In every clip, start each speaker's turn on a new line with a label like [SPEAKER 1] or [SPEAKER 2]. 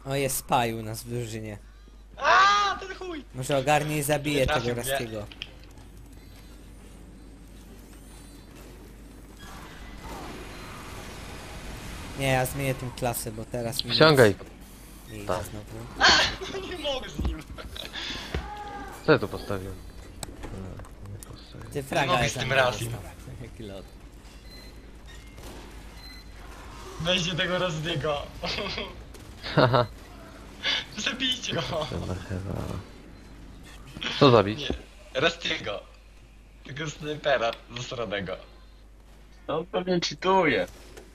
[SPEAKER 1] O, jest spy u nas w drużynie.
[SPEAKER 2] Aaa, ten chuj!
[SPEAKER 1] Może ogarnie i zabije
[SPEAKER 2] Nie
[SPEAKER 1] tego
[SPEAKER 2] trafił mnie.
[SPEAKER 1] Rastiego. Nie, ja zmienię tą klasę, bo teraz mi
[SPEAKER 3] Ściągaj.
[SPEAKER 1] nie idzie
[SPEAKER 3] Tak.
[SPEAKER 1] znowu.
[SPEAKER 2] Nie mogę z nim.
[SPEAKER 3] Co ja tu postawiłem? Nie postawiłem.
[SPEAKER 1] Ty fraga
[SPEAKER 2] mogę
[SPEAKER 1] jest
[SPEAKER 2] z tym
[SPEAKER 1] za mną
[SPEAKER 2] Rastim.
[SPEAKER 1] dostał. Jaki lot.
[SPEAKER 2] Weźcie tego Rozdiego.
[SPEAKER 3] Haha,
[SPEAKER 2] Zabijcie go.
[SPEAKER 3] dobra chyba. Co zabić?
[SPEAKER 2] Nie, Rozdiego. Tego snajpera zasranego.
[SPEAKER 4] On pewnie cheatuje.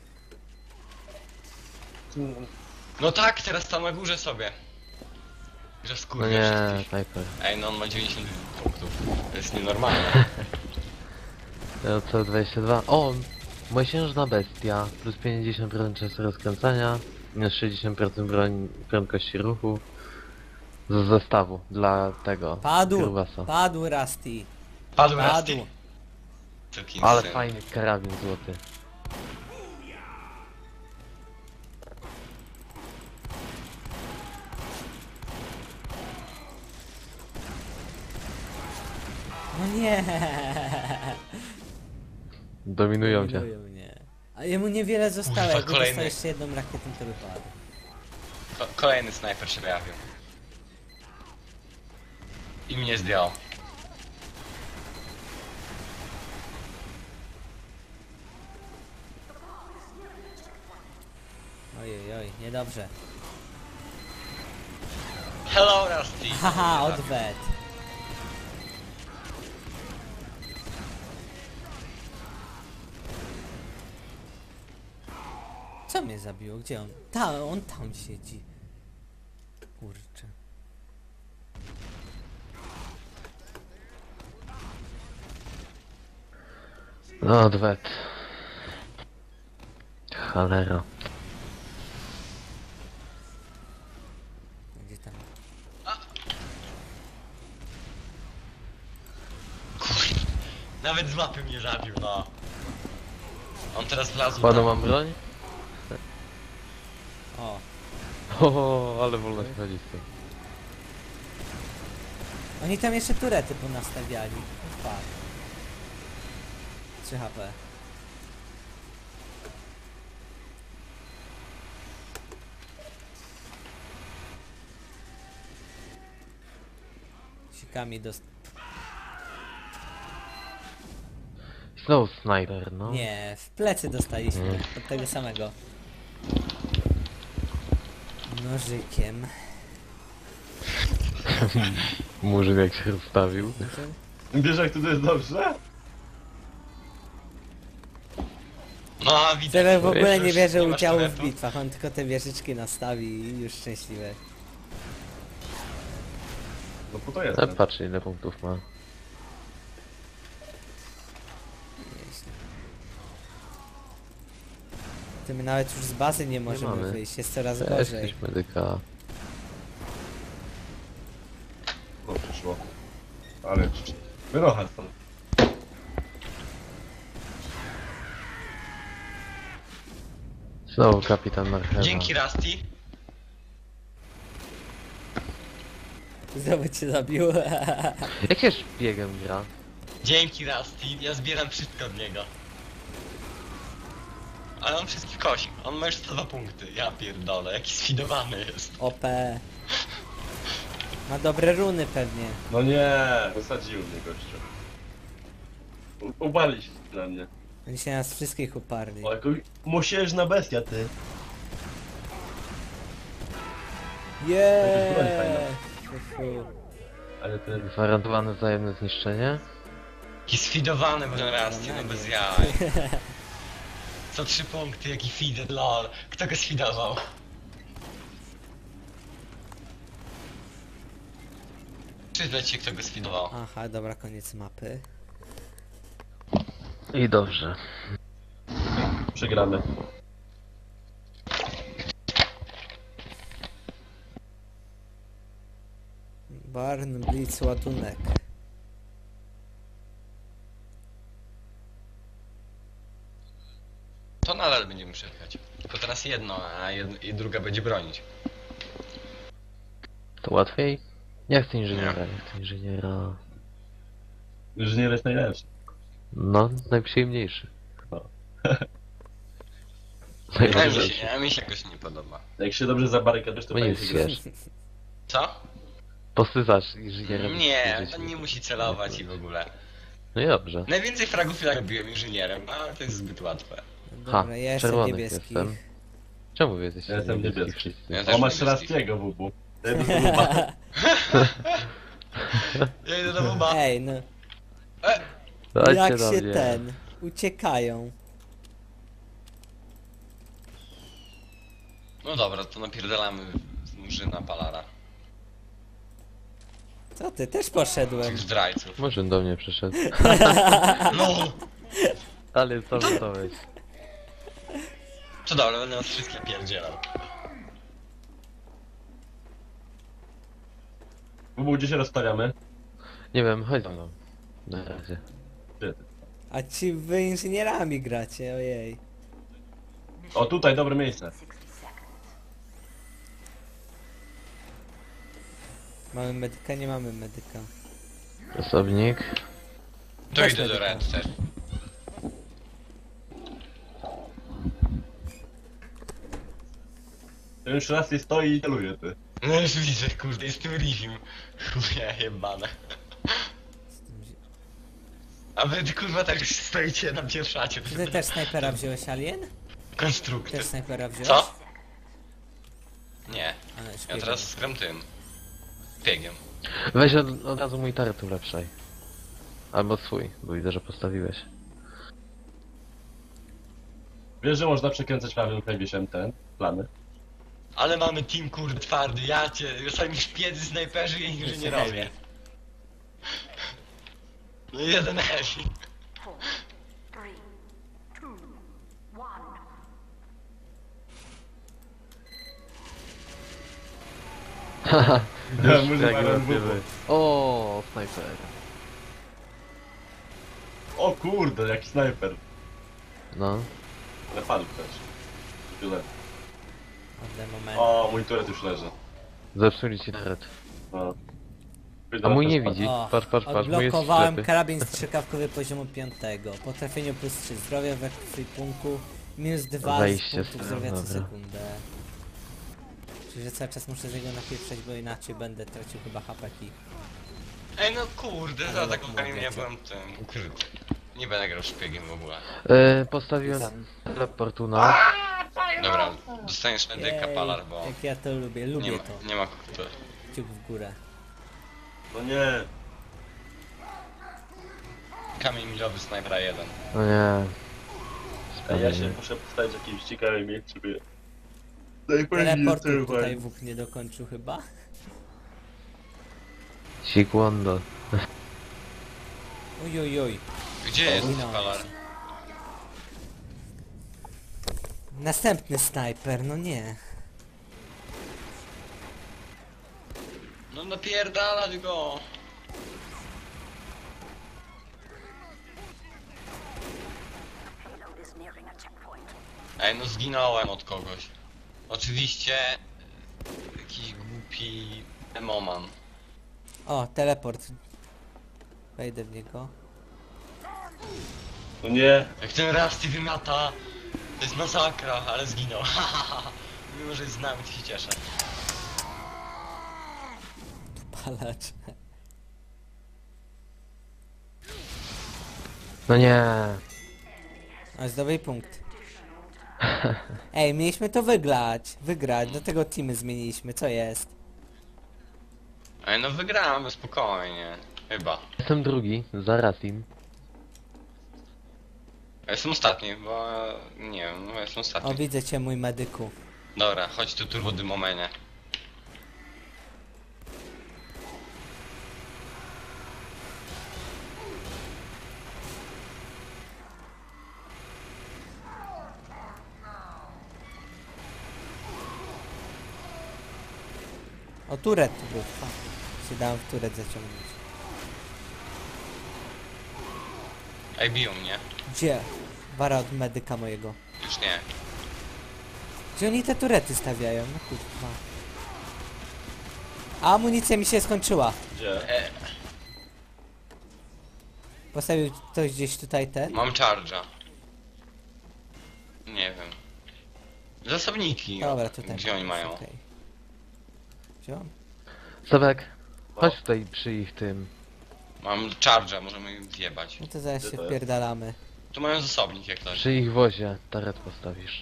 [SPEAKER 2] No tak, teraz tam na górze sobie. Że
[SPEAKER 3] No
[SPEAKER 2] wskurwia
[SPEAKER 3] nie,
[SPEAKER 2] wszystkich.
[SPEAKER 3] sniper.
[SPEAKER 2] Ej, no on ma 90 punktów. To jest nienormalne.
[SPEAKER 3] Ja co 22. O! Mosiężna bestia. Plus 50% czasu rozkręcania. Minus 60% prędkości ruchu. Z zestawu dla tego.
[SPEAKER 1] Padł!
[SPEAKER 3] Grubasa.
[SPEAKER 1] Padł Rusty!
[SPEAKER 2] Padł
[SPEAKER 1] Padł!
[SPEAKER 2] Rusty. Całkiem
[SPEAKER 3] Ale
[SPEAKER 2] syn.
[SPEAKER 3] fajny karabin złoty.
[SPEAKER 1] No nie!
[SPEAKER 3] Dominują cię.
[SPEAKER 1] Dominują mnie. A jemu niewiele zostało,
[SPEAKER 2] Kurwa,
[SPEAKER 1] jakby
[SPEAKER 2] kolejny.
[SPEAKER 1] dostał jeszcze jedną rakietę, to by padł.
[SPEAKER 2] Kolejny snajper się pojawił. I mnie zdjął.
[SPEAKER 1] Ojej, oj, niedobrze.
[SPEAKER 2] Hello Rusty!
[SPEAKER 1] Haha, odwet! Co mnie zabiło? Gdzie on? On tam siedzi. Kurczę.
[SPEAKER 3] No odwet. Cholera.
[SPEAKER 1] Gdzie tam?
[SPEAKER 2] Nawet z mapy mnie zabił, no. On teraz wlazł
[SPEAKER 3] Panu
[SPEAKER 2] tam.
[SPEAKER 3] mam broń?
[SPEAKER 1] O,
[SPEAKER 3] O, ale wolno się chodzi z tym.
[SPEAKER 1] oni tam jeszcze turety ponastawiali. Fuck. 3 HP. Sikami dost...
[SPEAKER 3] Znowu sniper, no.
[SPEAKER 1] Nie, w plecy dostaliśmy.
[SPEAKER 3] Mm.
[SPEAKER 1] Od tego samego. Nożykiem.
[SPEAKER 3] Murzyn jak się rozstawił.
[SPEAKER 4] Wiesz jak to jest dobrze?
[SPEAKER 2] No, widzę.
[SPEAKER 1] Tyle w ogóle
[SPEAKER 2] Już
[SPEAKER 1] nie bierze
[SPEAKER 2] nie masz
[SPEAKER 1] udziału w
[SPEAKER 2] turetu.
[SPEAKER 1] bitwach, on tylko te wieżyczki nastawi i już szczęśliwe.
[SPEAKER 4] No po to jest.
[SPEAKER 3] Ale patrz ile punktów ma.
[SPEAKER 1] Nieźle. Ty my nawet już z bazy nie możemy
[SPEAKER 3] mamy.
[SPEAKER 1] wyjść, jest coraz
[SPEAKER 3] Weź
[SPEAKER 1] gorzej.
[SPEAKER 3] jakiegoś medyka.
[SPEAKER 4] No przyszło. Ale wyrocha stąd.
[SPEAKER 3] Znowu kapitan Marchewa.
[SPEAKER 2] Dzięki Rusty.
[SPEAKER 1] Znowu cię zabił.
[SPEAKER 3] Jak się szpiegiem gra?
[SPEAKER 2] Dzięki Rusty. Ja zbieram wszystko od niego. Ale on wszystkich kosi. On ma już 102 punkty. Ja pierdolę, jaki sfidowany jest.
[SPEAKER 1] OP. Ma dobre runy pewnie.
[SPEAKER 4] No nie, wysadził mnie gościu. Uparli się na mnie.
[SPEAKER 1] Oni się nas wszystkich uparli.
[SPEAKER 4] O, jako mosiężna bestia ty. Jakaś broń fajna.
[SPEAKER 1] Jeee!
[SPEAKER 4] Ale ten...
[SPEAKER 3] Gwarantowane wzajemne zniszczenie?
[SPEAKER 2] Jaki sfidowany ten Rusty, no bez jaj. Co 3 punkty, jaki feeder, lol. Kto go sfidował? Przyznać się, kto go sfidował.
[SPEAKER 1] Aha, dobra, koniec mapy.
[SPEAKER 3] I dobrze.
[SPEAKER 4] Przegramy.
[SPEAKER 1] Barn, Blitz, ładunek.
[SPEAKER 2] To nadal będziemy przejechać. Tylko teraz jedno, a i druga będzie bronić.
[SPEAKER 3] To łatwiej? Ja chcę inżyniera, ja chcę inżyniera.
[SPEAKER 4] Inżynier jest najlepszy.
[SPEAKER 3] No, najprzyjemniejszy.
[SPEAKER 4] No.
[SPEAKER 2] A mi się jakoś nie podoba.
[SPEAKER 4] Jak się dobrze zabarykadujesz, to
[SPEAKER 3] Bo nie
[SPEAKER 4] fajnie się grasz.
[SPEAKER 3] wiesz.
[SPEAKER 2] Co?
[SPEAKER 3] Posysasz inżyniera.
[SPEAKER 2] Nie, to nie musi celować i w ogóle.
[SPEAKER 3] No i dobrze.
[SPEAKER 2] Najwięcej fragów ja robiłem inżynierem, a to jest zbyt łatwe.
[SPEAKER 1] Dobra, ja jestem
[SPEAKER 3] czerwony
[SPEAKER 1] niebieski.
[SPEAKER 3] jestem. Czemu wy jesteście
[SPEAKER 4] Ja jestem niebieski.
[SPEAKER 3] wszyscy?
[SPEAKER 2] Ja
[SPEAKER 4] O,
[SPEAKER 2] też
[SPEAKER 4] masz
[SPEAKER 2] niebieski.
[SPEAKER 4] Rastiego, Bubu. To jest Buba.
[SPEAKER 2] Ja idę do Buba.
[SPEAKER 1] Ej, no.
[SPEAKER 3] Dajcie
[SPEAKER 1] Jak
[SPEAKER 3] do
[SPEAKER 1] się
[SPEAKER 3] mnie.
[SPEAKER 1] uciekają.
[SPEAKER 2] No dobra, to napierdalamy z murzyna Palara.
[SPEAKER 1] Co ty, też poszedłem.
[SPEAKER 2] Tych zdrajców.
[SPEAKER 3] Może do mnie przyszedł.
[SPEAKER 2] No!
[SPEAKER 3] Ale co to weź?
[SPEAKER 2] To dobra, będę nas wszystkich pierdzielał.
[SPEAKER 4] Bubu, gdzie się rozstawiamy?
[SPEAKER 3] Nie wiem, chodź za mną. Na razie.
[SPEAKER 4] Gdzie ty?
[SPEAKER 1] A ci wy inżynierami gracie, ojej.
[SPEAKER 4] O, tutaj, dobre miejsce.
[SPEAKER 1] Mamy medyka, nie mamy medyka.
[SPEAKER 3] Osobnik.
[SPEAKER 2] To
[SPEAKER 1] Weź
[SPEAKER 2] idę do
[SPEAKER 1] medyka.
[SPEAKER 2] Red też.
[SPEAKER 4] Ten już raz nie stoi i celuje, ty.
[SPEAKER 2] No już widzę, kurde, jest tym Rivim. Chuje jebane. A wy kurwa tak stoicie na pierwszacie.
[SPEAKER 1] Ty też snajpera wziąłeś, Alien?
[SPEAKER 2] Konstrukty.
[SPEAKER 1] Też snajpera wziąłeś?
[SPEAKER 2] Co? Nie,
[SPEAKER 1] A,
[SPEAKER 2] ja
[SPEAKER 1] szpiegiem.
[SPEAKER 2] teraz skram tym. Biegiem.
[SPEAKER 3] Weź od razu mój taret ulepszaj. Albo swój, bo widzę, że postawiłeś.
[SPEAKER 4] Wiesz, że można przekręcać prawym klawiszem ten plany?
[SPEAKER 2] Ale mamy team kurde twardy, ja cię, sami szpiedzy, snajperzy i inżynierowie. No i jeden Heavy.
[SPEAKER 5] 4, 3, 2, 1.
[SPEAKER 3] Haha,
[SPEAKER 4] Ja
[SPEAKER 3] już
[SPEAKER 4] muszę
[SPEAKER 3] jak
[SPEAKER 4] parę
[SPEAKER 3] łapiemy.
[SPEAKER 4] bubów.
[SPEAKER 3] O, snajper.
[SPEAKER 4] O kurde, jaki snajper.
[SPEAKER 3] No.
[SPEAKER 4] Ale padł też. Tyle.
[SPEAKER 1] Ode moment.
[SPEAKER 4] O, mój turet już leży.
[SPEAKER 3] Zepsuli ci taret.
[SPEAKER 4] No.
[SPEAKER 3] A mój nie
[SPEAKER 4] Też
[SPEAKER 3] widzi.
[SPEAKER 1] O,
[SPEAKER 3] Patrz, patrz, patrz, mój jest
[SPEAKER 1] odblokowałem
[SPEAKER 3] ślepy.
[SPEAKER 1] karabin strzykawkowy poziomu 5. Po trafieniu plus 3 zdrowia we ekwipunku. Minus 2
[SPEAKER 3] Wejście
[SPEAKER 1] z punktów
[SPEAKER 3] z-
[SPEAKER 1] zdrowia co
[SPEAKER 3] dobra.
[SPEAKER 1] sekundę. Czyli że cały czas muszę z niego napieprzać, bo inaczej będę tracił chyba hapeki.
[SPEAKER 2] Ej no kurde, za
[SPEAKER 1] Ale
[SPEAKER 2] taką
[SPEAKER 1] jak
[SPEAKER 2] kamień
[SPEAKER 1] mówię,
[SPEAKER 2] ja
[SPEAKER 1] co?
[SPEAKER 2] byłem tym ukryty. Nie będę grał szpiegiem w ogóle.
[SPEAKER 3] Postawiłem teleportuna.
[SPEAKER 2] Dobra, dostaniesz medyka
[SPEAKER 1] Jej,
[SPEAKER 2] Palar, bo
[SPEAKER 1] jak ja to lubię,
[SPEAKER 2] nie
[SPEAKER 1] lubię
[SPEAKER 2] ma,
[SPEAKER 1] to.
[SPEAKER 2] nie ma kurde.
[SPEAKER 1] Kciuk w górę.
[SPEAKER 4] No nie.
[SPEAKER 2] Kamień milowy snajpera 1.
[SPEAKER 3] No nie.
[SPEAKER 4] A ja się
[SPEAKER 3] Spokojnie.
[SPEAKER 4] muszę postawić w jakimś ciekawym miejscu, żeby...
[SPEAKER 1] Teleportu tutaj Wuk nie dokończył chyba.
[SPEAKER 3] Sikwondo.
[SPEAKER 1] Oj, oj, oj.
[SPEAKER 2] Gdzie jest
[SPEAKER 1] Minąłem.
[SPEAKER 2] Palar?
[SPEAKER 1] Następny snajper, no nie.
[SPEAKER 2] No napierdalać go!
[SPEAKER 5] Payload is nearing a checkpoint.
[SPEAKER 2] Ej no zginąłem od kogoś. Oczywiście jakiś głupi emoman.
[SPEAKER 1] O, teleport. Wejdę w niego.
[SPEAKER 4] No nie.
[SPEAKER 2] Jak ten Rusty wymiata, to jest masakra, ale zginął. Mimo, że jest z nami, to się cieszę.
[SPEAKER 1] Palacz.
[SPEAKER 3] No nie.
[SPEAKER 1] O, zdobyj punkt. Ej, mieliśmy to wygrać, do tego teamy zmieniliśmy, co jest?
[SPEAKER 2] Ej no wygramy spokojnie. Chyba.
[SPEAKER 3] Jestem drugi, za Ratim.
[SPEAKER 2] Ja jestem ostatni, bo nie wiem, no ja jestem
[SPEAKER 1] O,
[SPEAKER 2] ostatni.
[SPEAKER 1] widzę cię, mój medyku.
[SPEAKER 2] Dobra, chodź tu turbo dymomenie.
[SPEAKER 1] O, turet tu był. Fuck. Się dałem w turet zaciągnąć.
[SPEAKER 2] Ej, biją mnie.
[SPEAKER 1] Gdzie? Wara od medyka mojego.
[SPEAKER 2] Już nie.
[SPEAKER 1] Gdzie oni te turety stawiają? No kurwa. A amunicja mi się skończyła.
[SPEAKER 4] Gdzie?
[SPEAKER 1] Postawił ktoś gdzieś tutaj ten?
[SPEAKER 2] Mam charge'a. Nie wiem. Zasobniki.
[SPEAKER 1] Dobra, tutaj.
[SPEAKER 2] Gdzie oni mają?
[SPEAKER 1] Okej. Wziąłem?
[SPEAKER 3] Sebek, chodź tutaj przy ich tym.
[SPEAKER 2] Mam charge'a, możemy ich zjebać.
[SPEAKER 1] No to zaraz
[SPEAKER 4] Gdzie
[SPEAKER 1] się
[SPEAKER 4] to jest?
[SPEAKER 1] wpierdalamy.
[SPEAKER 2] Tu mają zasobnik jak ktoś.
[SPEAKER 3] Przy ich wozie taret postawisz.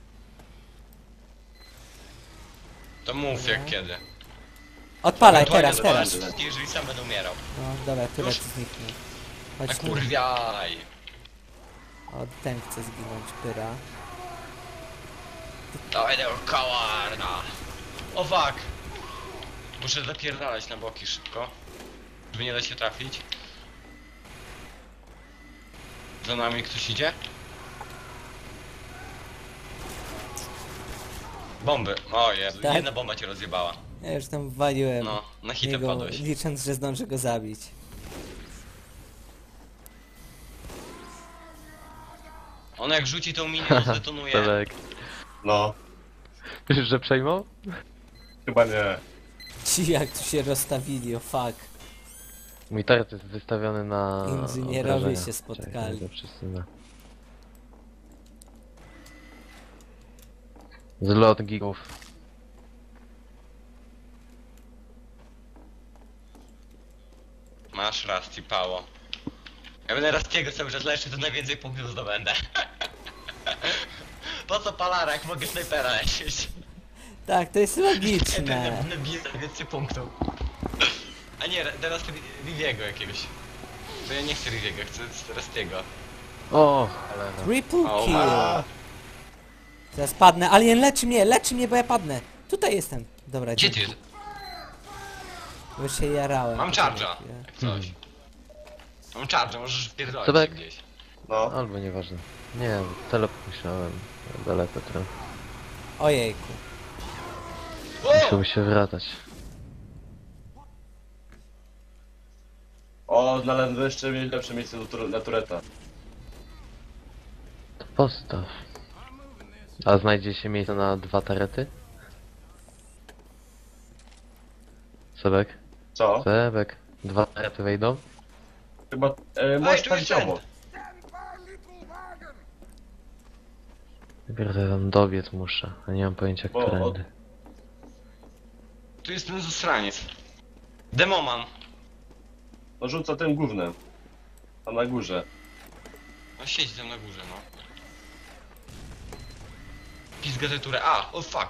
[SPEAKER 2] To mów jak kiedy.
[SPEAKER 1] Odpalaj,
[SPEAKER 2] Ewentualnie
[SPEAKER 1] teraz, teraz.
[SPEAKER 2] zobaczysz, jeżeli sam będę umierał.
[SPEAKER 1] No dobra, tyle
[SPEAKER 2] Już?
[SPEAKER 1] zniknie.
[SPEAKER 2] A
[SPEAKER 1] Chodź tu.
[SPEAKER 2] kurwiaj.
[SPEAKER 1] O, ten chce zginąć, pyra.
[SPEAKER 2] Dawaj tego kawarna. O fuck. Muszę zapierdalać na boki szybko. Żeby nie dać się trafić. Za nami ktoś idzie? Bomby. O Jezu,
[SPEAKER 1] Tak?
[SPEAKER 2] jedna bomba cię rozjebała.
[SPEAKER 1] Ja już tam waliłem
[SPEAKER 2] No, na hitę
[SPEAKER 1] niego,
[SPEAKER 2] padłeś.
[SPEAKER 1] licząc, że zdążę go zabić.
[SPEAKER 2] On jak rzuci tą minię, to zdetonuje.
[SPEAKER 3] Sebek.
[SPEAKER 4] No,
[SPEAKER 3] Myślisz, że przejmą?
[SPEAKER 4] chyba nie.
[SPEAKER 1] Ci jak tu się rozstawili, o fuck.
[SPEAKER 3] Mój taret jest wystawiony na
[SPEAKER 1] Inżynierowie
[SPEAKER 3] obrażenia.
[SPEAKER 1] się spotkali.
[SPEAKER 3] Czekaj, to przesunę. Zlot gigów.
[SPEAKER 2] Masz Rusty Pało. Ja będę Rustiego cały czas leczył, to najwięcej punktów zdobędę. Po co palara, jak mogę snajpera lecieć?
[SPEAKER 1] Tak, to jest logiczne.
[SPEAKER 2] Będę bił więcej punktów. A nie, teraz Riviego jakiegoś. To ja nie chcę Riviego, chcę Rustiego.
[SPEAKER 3] O, cholera.
[SPEAKER 1] Triple
[SPEAKER 2] O,
[SPEAKER 1] kill.
[SPEAKER 2] ma.
[SPEAKER 1] Zaraz padnę. Alien leczy mnie, bo ja padnę. Tutaj jestem. Dobra,
[SPEAKER 2] Gdzie ty?
[SPEAKER 1] dzięki. Bo się jarałem.
[SPEAKER 2] Mam
[SPEAKER 1] Poczekaj
[SPEAKER 2] charge'a,
[SPEAKER 1] chwilę.
[SPEAKER 2] jak coś. Mam charge'a, możesz wpierdolić
[SPEAKER 3] Sebek?
[SPEAKER 2] się gdzieś.
[SPEAKER 4] No,
[SPEAKER 3] Albo nieważne. Nie, teleport myślałem. Daleko trochę.
[SPEAKER 1] Ojejku.
[SPEAKER 3] Musiał się wracać.
[SPEAKER 4] o, znalazłem jeszcze lepsze miejsce dla tureta.
[SPEAKER 3] To postaw. A znajdzie się miejsce na 2 tarety? Sebek?
[SPEAKER 4] Co?
[SPEAKER 3] Sebek. 2 tarety wejdą?
[SPEAKER 4] Chyba, możesz
[SPEAKER 2] tu
[SPEAKER 4] stawić
[SPEAKER 2] jest
[SPEAKER 4] obok.
[SPEAKER 3] Dopiero tam dobiec muszę, a nie mam pojęcia
[SPEAKER 4] Bo-
[SPEAKER 3] którędy.
[SPEAKER 2] Tu jest ten zasraniec. Demoman.
[SPEAKER 4] No rzuca tym gównem. Tam na górze.
[SPEAKER 2] No siedzi tam na górze, no. Pizga tę turę. A, o fuck.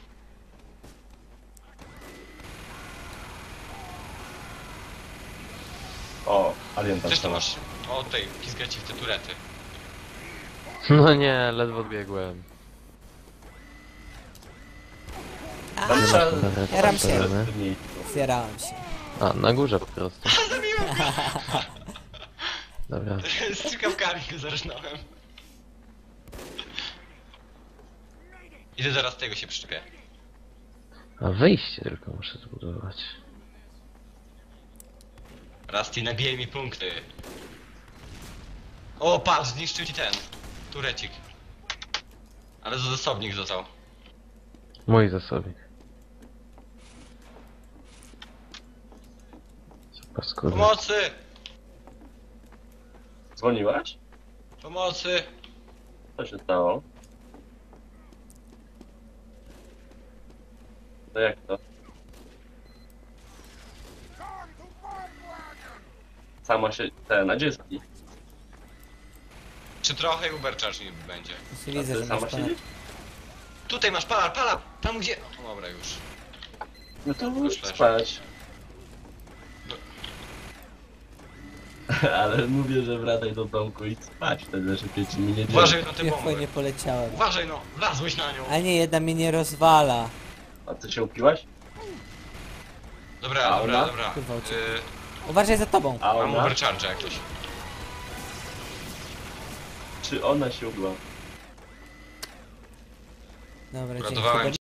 [SPEAKER 4] O, alien tam
[SPEAKER 2] Też to
[SPEAKER 4] sama.
[SPEAKER 2] masz. O tej, pizga ci w te turety.
[SPEAKER 3] No nie, ledwo odbiegłem.
[SPEAKER 1] A,
[SPEAKER 4] Tam trzeba...
[SPEAKER 1] Jaram się.
[SPEAKER 4] Mniej.
[SPEAKER 1] zjarałem się.
[SPEAKER 3] A, na górze po prostu. Dobra.
[SPEAKER 2] Z strzykawkami go zarżnąłem. Idę zaraz tego się przyczepię.
[SPEAKER 3] A wyjście tylko muszę zbudować.
[SPEAKER 2] Rusty, nabije mi punkty. O, patrz, zniszczył ci ten. Turecik. Ale za zasobnik został.
[SPEAKER 3] Mój zasobnik. Co paskudy.
[SPEAKER 2] Pomocy!
[SPEAKER 4] Dzwoniłaś?
[SPEAKER 2] Pomocy!
[SPEAKER 4] Co się stało? To jak to? Sama się... Ten, a gdzie jest taki?
[SPEAKER 2] Czy trochę Uber Charge nie będzie?
[SPEAKER 1] Się
[SPEAKER 4] A
[SPEAKER 1] widzę,
[SPEAKER 4] ty
[SPEAKER 1] że masz
[SPEAKER 4] sama
[SPEAKER 1] ponad...
[SPEAKER 4] siedzisz?
[SPEAKER 2] Tutaj masz palar, palar! Tam gdzie... O, dobra już.
[SPEAKER 4] No to
[SPEAKER 2] Już leży.
[SPEAKER 4] spać. Ale mówię, że wracaj do domku i spać, wtedy szybciej ci mi nie dzieje.
[SPEAKER 2] Uważaj na te
[SPEAKER 1] Ja
[SPEAKER 2] bomby.
[SPEAKER 1] nie poleciałem.
[SPEAKER 2] Uważaj no, wlazłeś na nią.
[SPEAKER 1] A nie, jedna mnie nie rozwala.
[SPEAKER 4] A ty się upiłaś?
[SPEAKER 2] Dobra,
[SPEAKER 4] A
[SPEAKER 2] dobra,
[SPEAKER 4] ona?
[SPEAKER 2] dobra.
[SPEAKER 1] Kurwa, uciekł. Uważaj za tobą.
[SPEAKER 4] A
[SPEAKER 2] Mam
[SPEAKER 4] ona?
[SPEAKER 2] Uber Charge jak coś.
[SPEAKER 4] Czy ona się upiła?
[SPEAKER 1] Dobra, dzięki.
[SPEAKER 2] Uratowałem
[SPEAKER 1] Chyba